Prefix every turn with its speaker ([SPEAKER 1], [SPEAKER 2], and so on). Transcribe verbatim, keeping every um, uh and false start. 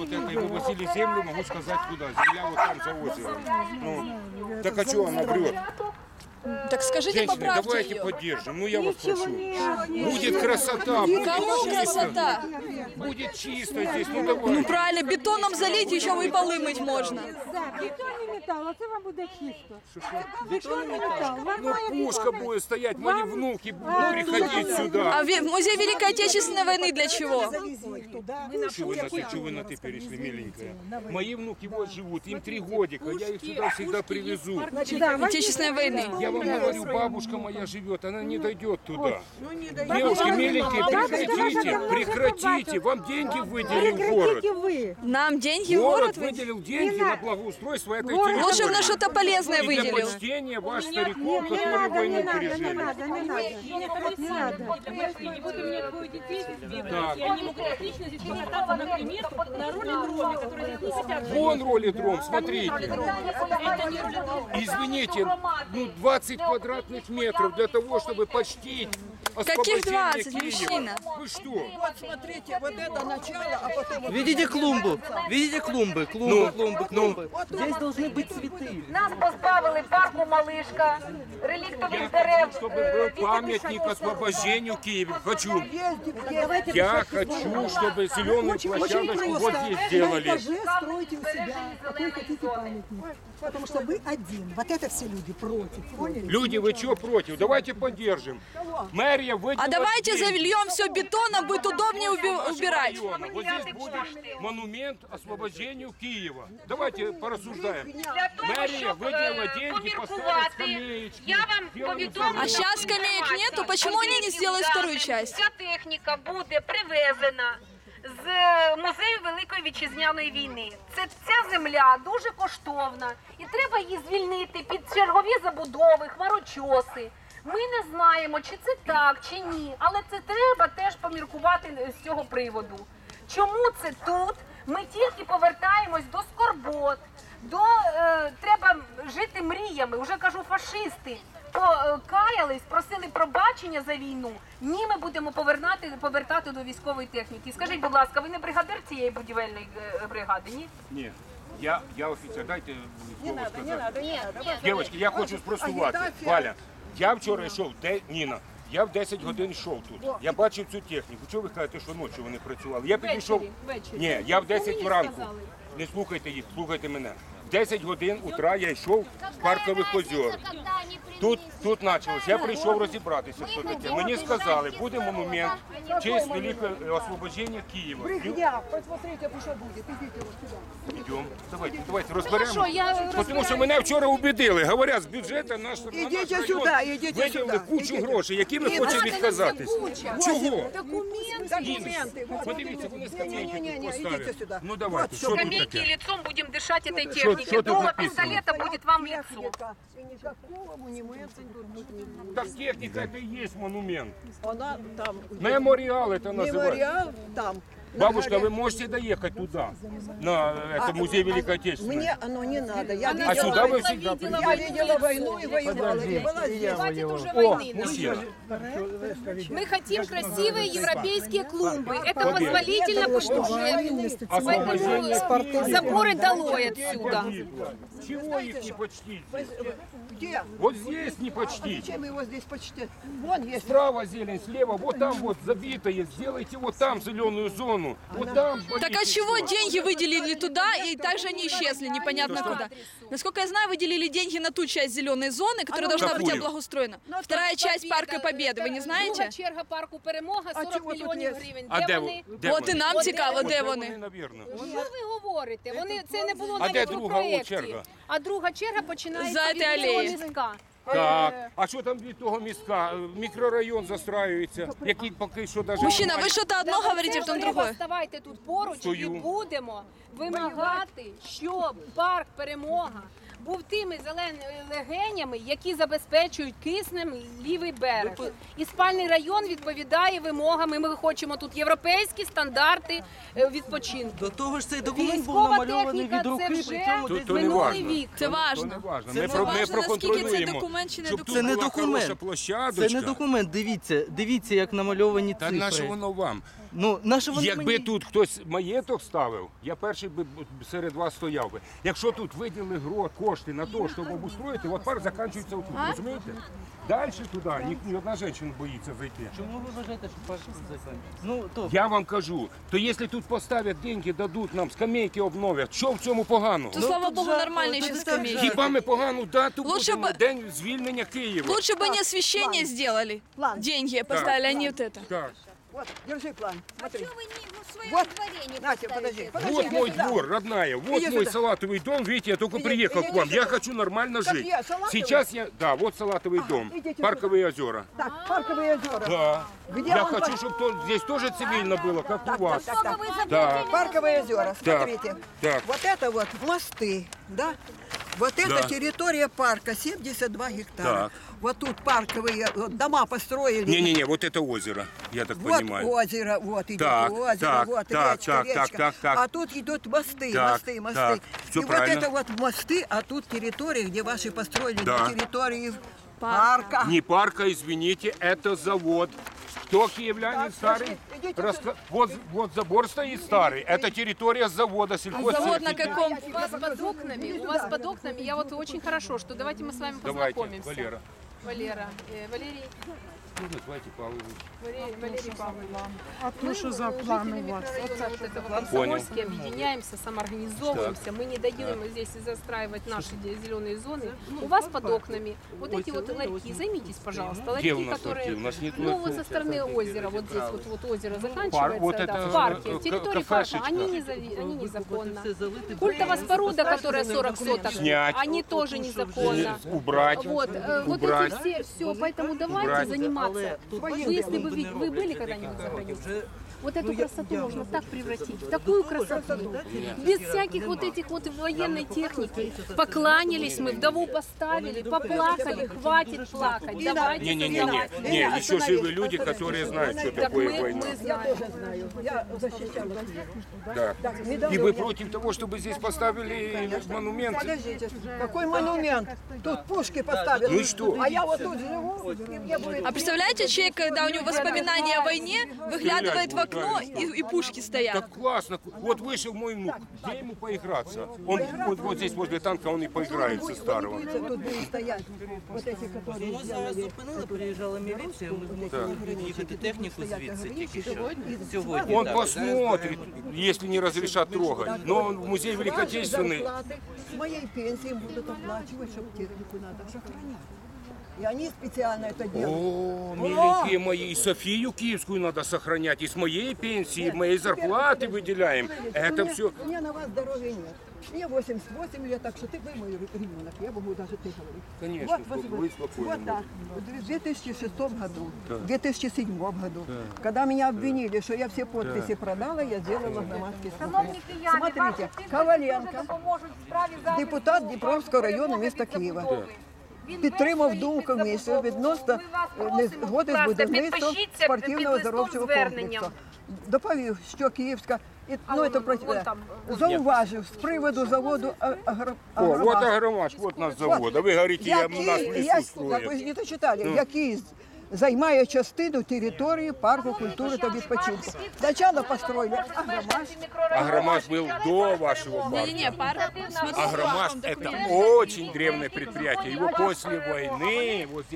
[SPEAKER 1] вот это, и вывозили землю, могу сказать куда. Земля вот там за озером. Ну, так а что она врет?
[SPEAKER 2] Так скажите,
[SPEAKER 1] Женщины,
[SPEAKER 2] поправьте
[SPEAKER 1] давайте
[SPEAKER 2] ее.
[SPEAKER 1] поддержим. Ну я вас прошу. Будет красота, будет
[SPEAKER 2] Кому
[SPEAKER 1] чисто.
[SPEAKER 2] красота?
[SPEAKER 1] Будет чисто здесь, ну давай.
[SPEAKER 2] Ну правильно, бетоном залить, еще и полы мыть можно.
[SPEAKER 3] Бетонний метал, оце вам буде чисто.
[SPEAKER 1] Бетонный металл. Ну пушка будет стоять, мои внуки будут приходить сюда.
[SPEAKER 2] А в музей Великой Отечественной войны для чего?
[SPEAKER 1] Чего вы на ты, чего вы на ты перешли, миленькая? Мои внуки вот живут, им три годика, я их сюда всегда привезу.
[SPEAKER 2] Отечественной войны.
[SPEAKER 1] Я вам говорю, бабушка моя живет, она не дойдет туда. Девушки, миленькие, прекратите, прекратите, вам деньги выделил город.
[SPEAKER 3] ви.
[SPEAKER 2] Нам деньги в
[SPEAKER 1] Город
[SPEAKER 2] город выделили?
[SPEAKER 1] выделил деньги на благоустройство этой территории.
[SPEAKER 2] Лучше бы на что-то полезное
[SPEAKER 1] И для
[SPEAKER 2] выделил.
[SPEAKER 1] почтения вас, стариков, которые войну
[SPEAKER 3] Не
[SPEAKER 1] пережили.
[SPEAKER 3] надо, не надо. Не надо.
[SPEAKER 4] И вот у меня двое детей,
[SPEAKER 1] Так.
[SPEAKER 4] и они могут отлично здесь покататься, например, на роллидроме, который здесь не хотят.
[SPEAKER 1] Вон ролидром, смотрите.
[SPEAKER 4] Это не роллидром.
[SPEAKER 1] Извините, ну двадцать квадратных метров для того, чтобы почтить
[SPEAKER 2] Каких
[SPEAKER 1] освобождение
[SPEAKER 2] двадцать,
[SPEAKER 1] Киева.
[SPEAKER 2] мужчина?
[SPEAKER 1] Вы что?
[SPEAKER 5] Вот смотрите, вот это начало, а потом... вот
[SPEAKER 6] Видите клумбу? Видите клумбы? Клумбы,
[SPEAKER 1] Ну,
[SPEAKER 6] клумбы, клумбы.
[SPEAKER 5] Вот
[SPEAKER 6] Здесь должны быть цветы.
[SPEAKER 7] Нас позбавили парку Малишка, реліктових
[SPEAKER 1] Я
[SPEAKER 7] дерев.
[SPEAKER 1] хочу, чтобы
[SPEAKER 7] е,
[SPEAKER 1] был
[SPEAKER 7] вісім
[SPEAKER 1] памятник
[SPEAKER 7] тисяч
[SPEAKER 1] освобождению Киева. Хочу.
[SPEAKER 5] Давайте
[SPEAKER 1] Я хочу, чтобы зеленую площадочку вот здесь сделали.
[SPEAKER 3] Стройте у себя, какой хотите памятник. Потому что вы один. Вот это все люди против. Поняли?
[SPEAKER 1] Люди, вы чего против? Давайте поддержим. Мэрия выделила
[SPEAKER 2] А давайте
[SPEAKER 1] деньги.
[SPEAKER 2] зальем все бетоном, будет удобнее уби- убирать.
[SPEAKER 1] Района. Вот здесь будет монумент освобождению Киева. Давайте порассуждаем.
[SPEAKER 7] Для того,
[SPEAKER 1] Мэрия
[SPEAKER 7] щоб
[SPEAKER 1] выделила
[SPEAKER 7] е,
[SPEAKER 1] деньги, поставила
[SPEAKER 7] поміркувати,
[SPEAKER 1] скамеечки.
[SPEAKER 7] я вам
[SPEAKER 1] сделали
[SPEAKER 7] повідомлю.
[SPEAKER 2] А сейчас скамеек нету, почему они не сделают вторую часть?
[SPEAKER 7] Ця техніка буде привезена з музею Великої Вітчизняної війни. Це ця земля дуже коштовна і треба її звільнити під чергові забудови, хмарочоси. Ми не знаємо, чи це так, чи ні, але це треба теж поміркувати з цього приводу. Чому це тут? Ми тільки повертаємось до скорбот, до е, треба жити мріями. Уже кажу, фашисти покаялись, просили пробачення за війну. Ні, ми будемо повертати, повертати до військової техніки. Скажіть, будь ласка, ви не бригадир цієї будівельної е, бригади, ні?
[SPEAKER 1] Ні. Я, я офіцер, дайте слово сказати. Дівчатки, я хочу спростувати. Валя, я вчора йшов, де Ніна, я в десять годин йшов тут. Я бачив цю техніку. Чого ви кажете, що ночі вони працювали? Я підійшов. Ні, я в десять вранку. Не слухайте їх, слухайте мене. В десять годин утра я йшов з паркових озер. Тут, тут почалось. Я прийшов розібратися, що таке. Мені сказали, буде монумент в честь великого освобождення Києва.
[SPEAKER 5] Брехня, посмотрите, что будет. Идите вот сюда.
[SPEAKER 1] Йдемо. Давайте, давайте розберемо.
[SPEAKER 4] Хорошо, я
[SPEAKER 1] Тому що мене вчора убедили. Говорять, з бюджету наш, на наш
[SPEAKER 5] Ідіть
[SPEAKER 1] район
[SPEAKER 5] сюди, ідіть
[SPEAKER 1] виділили
[SPEAKER 5] сюди,
[SPEAKER 1] кучу
[SPEAKER 5] ідіть.
[SPEAKER 1] грошей, які ми хочемо відказатись. Чого?
[SPEAKER 5] Документы. Вот,
[SPEAKER 1] Подивіться, вони скамейки тут
[SPEAKER 5] Не-не-не, идите
[SPEAKER 1] поставили.
[SPEAKER 5] сюда.
[SPEAKER 1] Ну давайте, що тут
[SPEAKER 7] Скамейки
[SPEAKER 1] таке?
[SPEAKER 7] лицом будем дышать этой
[SPEAKER 1] Что-
[SPEAKER 7] технике.
[SPEAKER 1] что тут
[SPEAKER 7] Дуло
[SPEAKER 1] написано?
[SPEAKER 7] пистолета будет вам в лицо.
[SPEAKER 5] И никакого монумента тут быть не будет.
[SPEAKER 1] Так техніка це і є монумент.
[SPEAKER 5] Она там.
[SPEAKER 1] Меморіал це називається.
[SPEAKER 5] Мемориал там.
[SPEAKER 1] Бабушка, вы можете доехать туда, на это музей Великой Отечественной?
[SPEAKER 5] Мне оно не надо. Я
[SPEAKER 1] А
[SPEAKER 5] видела,
[SPEAKER 1] сюда вы всегда приезжаете?
[SPEAKER 5] я видела войну и воевала. И была здесь.
[SPEAKER 4] Хватит уже
[SPEAKER 1] О,
[SPEAKER 4] войны.
[SPEAKER 1] мужчина.
[SPEAKER 4] Мы хотим красивые европейские клумбы. Это позволительно по-бюджету.
[SPEAKER 1] Освобождение Киева.
[SPEAKER 4] Заборы долой отсюда.
[SPEAKER 1] Чего их не почтить?
[SPEAKER 5] Где?
[SPEAKER 1] Вот здесь не почтить.
[SPEAKER 5] Чем его здесь почти? Вон есть.
[SPEAKER 1] Справа зелень, слева, вот там вот забитое. Сделайте вот там зеленую зону. Вот там.
[SPEAKER 2] Так а чего деньги выделили туда и также они исчезли, непонятно куда? Насколько я знаю, выделили деньги на ту часть зеленой зоны, которая должна быть
[SPEAKER 1] Какую?
[SPEAKER 2] облагоустроена. Вторая часть парка Победы, вы не знаете?
[SPEAKER 4] Друга черга парку Перемога,
[SPEAKER 5] А
[SPEAKER 4] сорок
[SPEAKER 5] чого тут
[SPEAKER 4] мільйонів
[SPEAKER 5] є?
[SPEAKER 4] гривень.
[SPEAKER 1] А
[SPEAKER 4] Де
[SPEAKER 1] де,
[SPEAKER 4] вони?
[SPEAKER 1] де
[SPEAKER 2] От і
[SPEAKER 1] вони?
[SPEAKER 2] нам
[SPEAKER 4] От
[SPEAKER 2] цікаво,
[SPEAKER 1] От
[SPEAKER 2] де
[SPEAKER 1] вони,
[SPEAKER 2] вони.
[SPEAKER 1] навірно.
[SPEAKER 4] Що ви говорите? Вони це не було
[SPEAKER 1] А
[SPEAKER 4] навіть
[SPEAKER 1] де
[SPEAKER 4] у
[SPEAKER 1] друга
[SPEAKER 4] проєкті.
[SPEAKER 1] черга?
[SPEAKER 4] А друга черга починається
[SPEAKER 2] За
[SPEAKER 4] від
[SPEAKER 2] цієї
[SPEAKER 4] цього
[SPEAKER 2] алеї.
[SPEAKER 4] містка.
[SPEAKER 1] Так, а що там від того містка? Мікрорайон застраюється, який поки що навіть...
[SPEAKER 2] Мужчина, вы что-то одно
[SPEAKER 4] Так
[SPEAKER 2] говорите,
[SPEAKER 4] оце
[SPEAKER 2] потом
[SPEAKER 4] треба
[SPEAKER 2] другое.
[SPEAKER 4] ставайте тут поруч
[SPEAKER 1] Стою.
[SPEAKER 4] і будемо вимагати, щоб парк Перемога був тими зеленими легенями, які забезпечують киснем лівий берег. І спальний район відповідає вимогам. Ми хочемо тут європейські стандарти е, відпочинку.
[SPEAKER 6] До того ж цей документ був
[SPEAKER 4] Військова
[SPEAKER 6] намальований
[SPEAKER 4] техніка
[SPEAKER 6] від руки,
[SPEAKER 4] це вже
[SPEAKER 6] причому
[SPEAKER 1] То-
[SPEAKER 6] десь
[SPEAKER 1] то не
[SPEAKER 4] минулий
[SPEAKER 1] важно.
[SPEAKER 4] вік.
[SPEAKER 2] Це
[SPEAKER 1] То не
[SPEAKER 2] важно.
[SPEAKER 1] важно.
[SPEAKER 6] Це
[SPEAKER 1] Ми,
[SPEAKER 6] не
[SPEAKER 1] про, ми
[SPEAKER 2] важно, наскільки це
[SPEAKER 1] проконтролюємо,
[SPEAKER 2] документ чи не
[SPEAKER 1] щоб тут
[SPEAKER 6] Це не
[SPEAKER 1] була
[SPEAKER 6] документ.
[SPEAKER 1] хороша площадочка.
[SPEAKER 6] Це не документ, дивіться, дивіться, як намальовані
[SPEAKER 1] Та
[SPEAKER 6] цифри.
[SPEAKER 1] наше воно вам?
[SPEAKER 6] Ну, на що вони
[SPEAKER 1] Якби
[SPEAKER 6] мені?
[SPEAKER 1] тут хтось маєток ставив, я перший би серед вас стояв би. Якщо тут виділили гро, кошти на те, щоб обустроїти, от парк закінчується отут, розумієте? Далі туди ні, ні одна жінка боїться зайти.
[SPEAKER 6] Чому ви вважаєте, що парк закінчиться? Ну, то,
[SPEAKER 1] Я вам кажу, то якщо тут поставлять деньги, дадуть нам, скамейки обновлять, що в цьому поганого?
[SPEAKER 2] То, слава
[SPEAKER 6] тут
[SPEAKER 2] богу,
[SPEAKER 6] жарко,
[SPEAKER 2] нормальные
[SPEAKER 6] тут
[SPEAKER 2] еще
[SPEAKER 6] так
[SPEAKER 2] скамейки.
[SPEAKER 6] жарко.
[SPEAKER 1] Хіба ми погану дату
[SPEAKER 2] Лучше
[SPEAKER 1] будемо,
[SPEAKER 2] бы-
[SPEAKER 1] день звільнення Києва?
[SPEAKER 2] Лучше бы они освещение сделали.
[SPEAKER 3] План.
[SPEAKER 2] Деньги поставили, а не вот это.
[SPEAKER 1] Так.
[SPEAKER 3] Вот, держи план. Смотри.
[SPEAKER 8] Что вы не в своем
[SPEAKER 3] Вот,
[SPEAKER 8] дворе не
[SPEAKER 3] Настя,
[SPEAKER 8] поставите?
[SPEAKER 3] подожди. подожди
[SPEAKER 1] Вот
[SPEAKER 3] иди
[SPEAKER 1] мой
[SPEAKER 3] сюда.
[SPEAKER 1] двор, родная, вот
[SPEAKER 3] Иди
[SPEAKER 1] мой
[SPEAKER 3] сюда.
[SPEAKER 1] салатовый дом, видите, я только
[SPEAKER 3] Иди-
[SPEAKER 1] приехал
[SPEAKER 3] иди
[SPEAKER 1] к вам, я
[SPEAKER 3] сюда.
[SPEAKER 1] хочу нормально
[SPEAKER 3] Как
[SPEAKER 1] жить.
[SPEAKER 3] я, салатовый?
[SPEAKER 1] Сейчас я, да, вот салатовый дом,
[SPEAKER 3] идите
[SPEAKER 1] парковые озера.
[SPEAKER 3] Так, парковые озера.
[SPEAKER 1] Да,
[SPEAKER 3] Где
[SPEAKER 1] я
[SPEAKER 3] он
[SPEAKER 1] хочу,
[SPEAKER 3] по-
[SPEAKER 1] чтобы то- здесь тоже цивильно было, как у вас.
[SPEAKER 3] Так, так, так.
[SPEAKER 1] Да,
[SPEAKER 3] Парковые озера, смотрите.
[SPEAKER 1] так.
[SPEAKER 3] Вот это вот мосты, да? Вот это
[SPEAKER 1] Да.
[SPEAKER 3] территория парка, семьдесят два гектара.
[SPEAKER 1] Так.
[SPEAKER 3] Вот тут парковые вот, дома построили.
[SPEAKER 1] Не-не-не, вот это озеро, я так
[SPEAKER 3] Вот
[SPEAKER 1] понимаю.
[SPEAKER 3] озеро, вот идет
[SPEAKER 1] Так,
[SPEAKER 3] озеро,
[SPEAKER 1] так,
[SPEAKER 3] вот
[SPEAKER 1] так,
[SPEAKER 3] речка,
[SPEAKER 1] так,
[SPEAKER 3] речка.
[SPEAKER 1] так, так, так.
[SPEAKER 3] А тут идут мосты,
[SPEAKER 1] Так,
[SPEAKER 3] мосты, мосты.
[SPEAKER 1] так, всё
[SPEAKER 3] И
[SPEAKER 1] правильно.
[SPEAKER 3] вот это вот мосты, а тут территория, где ваши построили,
[SPEAKER 1] Да.
[SPEAKER 3] на территории парка.
[SPEAKER 1] Не парка, извините, это завод. Кто киевлянин
[SPEAKER 3] Так,
[SPEAKER 1] старый?
[SPEAKER 3] подожди, идите
[SPEAKER 1] Раска- Вот, вот забор стоит старый, это территория завода,
[SPEAKER 2] Завод на
[SPEAKER 1] сельхозтехники.
[SPEAKER 2] каком?
[SPEAKER 4] У вас под окнами, у вас под окнами, я вот очень хорошо, что давайте мы с вами
[SPEAKER 1] Давайте,
[SPEAKER 4] познакомимся.
[SPEAKER 1] Валера.
[SPEAKER 4] Валера, э, Валерий,
[SPEAKER 1] Ну, называйте Павлович.
[SPEAKER 4] Валерий, Валерий Павлович.
[SPEAKER 5] А то, что за план у вас?
[SPEAKER 4] Микрорайона вот этого Комсомольский, объединяемся, самоорганизовываемся. Мы не дадим здесь застраивать наши де- зеленые зоны. У вас под окнами вот эти вот ларьки, займитесь, пожалуйста,
[SPEAKER 1] Где
[SPEAKER 4] ларьки,
[SPEAKER 1] у нас
[SPEAKER 4] которые...
[SPEAKER 1] ларьки? У нас нет
[SPEAKER 4] Ну, вот
[SPEAKER 1] ларьков.
[SPEAKER 4] со стороны озера, вот здесь вот, вот озеро заканчивается,
[SPEAKER 1] вот
[SPEAKER 4] да,
[SPEAKER 1] это,
[SPEAKER 4] в парке,
[SPEAKER 1] э,
[SPEAKER 4] в территории
[SPEAKER 1] к-
[SPEAKER 4] парка,
[SPEAKER 1] кафешечка.
[SPEAKER 4] они, не зави- они незаконно.
[SPEAKER 6] Все залити,
[SPEAKER 4] Культовая споруда, которая сорок соток,
[SPEAKER 1] Снять.
[SPEAKER 4] они тоже незаконно.
[SPEAKER 1] Убрать.
[SPEAKER 4] Вот, э, вот
[SPEAKER 1] Убрать.
[SPEAKER 4] эти все, все, поэтому давайте
[SPEAKER 1] Убрать.
[SPEAKER 4] заниматься.
[SPEAKER 6] тут
[SPEAKER 4] Вы, если вы,
[SPEAKER 6] не
[SPEAKER 4] ви- вы
[SPEAKER 6] роблять,
[SPEAKER 4] были
[SPEAKER 6] як
[SPEAKER 4] когда-нибудь за
[SPEAKER 6] кажуть,
[SPEAKER 4] границей?
[SPEAKER 6] вже
[SPEAKER 4] Вот эту
[SPEAKER 6] Ну, я-
[SPEAKER 4] красоту
[SPEAKER 6] я
[SPEAKER 4] можно
[SPEAKER 6] уже
[SPEAKER 4] так превратить, в такую красоту, без всяких вот этих вот военной техники. Покланялись мы, вдову поставили, поплакали, хватит плакать, давайте
[SPEAKER 1] Не-не-не,
[SPEAKER 4] создавать.
[SPEAKER 1] не, еще живы люди, которые знают, что
[SPEAKER 4] Так
[SPEAKER 1] такое
[SPEAKER 4] мы,
[SPEAKER 1] война.
[SPEAKER 4] мы
[SPEAKER 3] Я
[SPEAKER 4] знаем.
[SPEAKER 3] тоже знаю. Я защищала Россию.
[SPEAKER 1] Да.
[SPEAKER 3] недавно
[SPEAKER 1] И вы
[SPEAKER 3] у меня-
[SPEAKER 1] против того, чтобы здесь поставили монумент?
[SPEAKER 3] Подождите, какой монумент? Тут пушки поставили.
[SPEAKER 1] Ну и что?
[SPEAKER 3] А я вот тут живу. и мне будет-
[SPEAKER 2] А представляете, человек, когда у него воспоминания о войне, выглядывает в окно и, и пушки стоят.
[SPEAKER 1] Так классно. Вот вышел мой внук. Где ему поиграться? Он вот, вот здесь возле танка, он и поиграется старого.
[SPEAKER 3] Тут будут стоять вот эти, которые
[SPEAKER 6] Ми зараз
[SPEAKER 3] сделали.
[SPEAKER 6] зупинили, приїжджала міліція, ми змусили їхати техніку звідси тільки що. Сьогодні,
[SPEAKER 1] Он
[SPEAKER 6] так.
[SPEAKER 1] посмотрит, если не разрешат трогать. Но он в музей
[SPEAKER 3] Ваши
[SPEAKER 1] Великотечественный.
[SPEAKER 3] зарплаты с моей пенсии будут оплачивать, чтобы технику надо сохранять. И они специально это делают.
[SPEAKER 1] О, миленькие мои, и Софию Киевскую надо сохранять, и с моей пенсии, моей зарплаты выделяем. Это
[SPEAKER 3] У
[SPEAKER 1] все.
[SPEAKER 3] меня, у меня на вас здоровья нет. Мне восемьдесят восемь лет, так что ты вы мой ребенок, я могу даже ты говорить.
[SPEAKER 1] Конечно,
[SPEAKER 3] вот,
[SPEAKER 1] вы
[SPEAKER 3] вот,
[SPEAKER 1] спокойно
[SPEAKER 3] вот так. В две тысячи шестом году, в две тысячи седьмом году, когда меня обвинили, что я все подписи продала, я сделала громадский
[SPEAKER 7] Шановні кияни,
[SPEAKER 3] Смотрите,
[SPEAKER 7] ваші підписи
[SPEAKER 3] Коваленко,
[SPEAKER 7] дуже допоможуть в справі захисту
[SPEAKER 3] депутат Дніпровського району міста
[SPEAKER 7] перемоги від
[SPEAKER 3] Києва.
[SPEAKER 7] забудови. Він
[SPEAKER 3] підтримав
[SPEAKER 7] весь
[SPEAKER 3] думку
[SPEAKER 7] стоїть під
[SPEAKER 3] комісії
[SPEAKER 7] забудову.
[SPEAKER 3] відносно
[SPEAKER 7] Ми вас
[SPEAKER 3] е,
[SPEAKER 7] просимо,
[SPEAKER 3] незгоди
[SPEAKER 7] будь
[SPEAKER 3] з
[SPEAKER 7] ласка,
[SPEAKER 3] будівництвом
[SPEAKER 7] підпишіться
[SPEAKER 3] спортивного
[SPEAKER 7] під листом
[SPEAKER 3] оздоровчого
[SPEAKER 7] зверненням.
[SPEAKER 3] комплексу. Доповів, що Київська, і,
[SPEAKER 4] А
[SPEAKER 3] ну,
[SPEAKER 4] вон,
[SPEAKER 3] це, про-
[SPEAKER 4] вон там,
[SPEAKER 3] зауважив з приводу заводу а- агро-
[SPEAKER 1] О, вот
[SPEAKER 3] агромаш.
[SPEAKER 1] Агромаш, вот наш завод. А вы говорите, я,
[SPEAKER 3] Який-
[SPEAKER 1] нас в
[SPEAKER 3] я-
[SPEAKER 1] лесу
[SPEAKER 3] так ви ж
[SPEAKER 1] строят.
[SPEAKER 3] не дочитали, який займає частину території парку культури та відпочинку. Спочатку построили агромаш.
[SPEAKER 1] Агромаш был до вашего парка.
[SPEAKER 2] Не-не-не, парк. Смотрите,
[SPEAKER 1] Агромаш
[SPEAKER 2] он
[SPEAKER 1] это
[SPEAKER 2] документ.
[SPEAKER 1] очень древнее предприятие. Его после войны вот